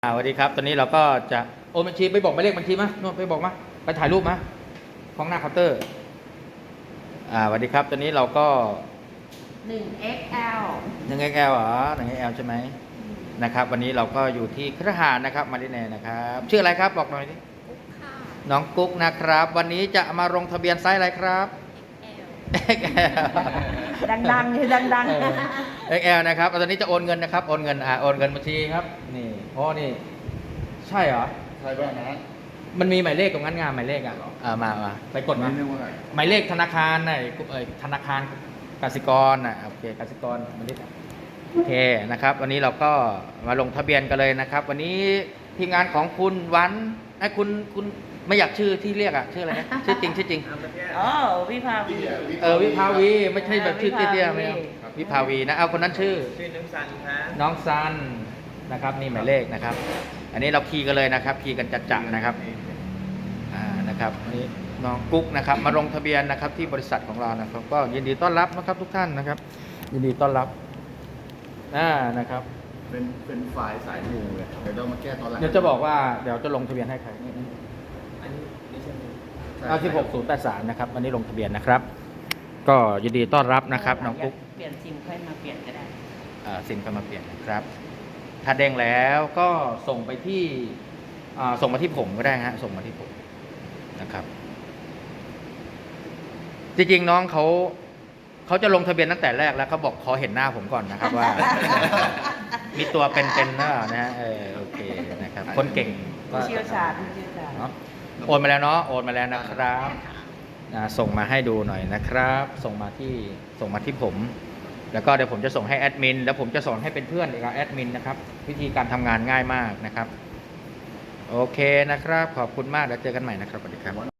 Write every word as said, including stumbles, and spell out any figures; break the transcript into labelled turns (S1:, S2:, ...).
S1: อ่าสวัสดีครับตอนนี้เราก็จะโอนบัญชีไปบอกหมายเลขบัญชีมาโน่นไปบอกมาไปถ่ายรูปมาของหน้าเคาน์เตอร์อ่าสวัสดีครับตอนนี้เราก็
S2: หนึ่ง เอ็กซ์ แอล
S1: หนึ่ง เอ็กซ์ แอล เหรอหนึ่ง เอ็กซ์ แอล ใช่ไหมนะครับวันนี้เราก็อยู่ที่คฤหาสน์นะครับมาริเน่นะครับชื่ออะไรครับบอกหน่อยดิ
S2: กุ๊กค่ะ
S1: น้องกุ๊กนะครับวันนี้จะมาลงทะเบียนไซส์อะไรครับ
S2: เอ็กซ์ แอล
S1: เอ็กซ์ แอล
S2: ดังๆเลยดัง
S1: เออ เอ็กซ์ แอล นะครับตอนนี้จะโอนเงินนะครับโอนเงินอ่าโอนเงินบัญชีครับนี่โอ้นี่ใช่เหรอ
S3: ใช่ป่ะนะ
S1: มันมีหมายเลขตรงนั้นงานหมายเลขอ่ะเออมามาไปกดมา
S3: เรียกว่าอะไร
S1: หมายเลขธนาคารน่ะเอ่ยธนาคารกสิกรน่ะโอเคกสิกรมาดิโอเคนะครับวันนี้เราก็มาลงทะเบียนกันเลยนะครับ วันนี้ทีมงานของคุณวันไอ้คุณคุณไม่อยากชื่อที่เรียกอ่ะชื่ออะไรนะชื่อจริงชื่อจริง
S2: ๆอ๋อวิภาวี
S1: เออวิภาวีไม่ใช่แบบชื่อเตี้ยๆไม่เอาวิภาวีนะเอาคนนั้นชื่อ
S4: ชื่อน้องซันครับ
S1: น้องซันนะครับนี่หมายเลขนะครับ อันนี้เราคีย์กันเลยนะครับคีย์กันจัดๆนะครับอ่านะครับอันนี้น้องกุ๊กนะครับมาลงทะเบียนนะครับที่บริษัทของเรานะครับก็ยินดีต้อนรับนะครับทุกท่านนะครับ ยินดีต้อนรับอ่านะครับ
S3: เป็นเป็นฝ่ายสายมูเลยเดี๋ยวเรามาแก้ตอนหลัง
S1: เดี๋ยวจะบอกว่าเดี๋ยวจะลงทะเบียนให้ใคร
S4: อันนี้ไม่ใช่
S1: เอาที่หกศูนย์แปดสามนะครับวันนี้ลงทะเบียนนะครับ ก็ยินดีต้อนรับนะครับน้องกุ๊ก
S2: เปลี่ยนซิมค่อยมาเปลี่ยนก็ได้
S1: อ่าซิมก็มาเปลี่ยนนะครับ ถ้าเด้งแล้วก็ส่งไปที่อ่าส่งมาที่ผมก็ได้ฮะส่งมาที่ผมนะครับ จริงๆน้องเขาเขาจะลงทะเบียนตั้งแต่แรกแล้วเขาบอกขอเห็นหน้าผมก่อนนะครับว่า มีตัวเป็นๆหน้านะฮะเออโอเคนะครับ คนเก่งก็
S2: ผู้เชี่ยวชาญผู้เชี่ยวชาญ
S1: เนาะโอนมาแล้วเนาะโอนมาแล้วนะครับอ่าส่งมาให้ดูหน่อยนะครับ ส่งมาที่ส่งมาที่ผม แล้วก็เดี๋ยวผมจะส่งให้แอดมินแล้วผมจะสอนให้เป็นเพื่อนอีกครับแอดมินนะครับ วิธีการทำงานง่ายมากนะครับ โอเคนะครับ ขอบคุณมากแล้วเจอกันใหม่นะครับสวัสดีครับ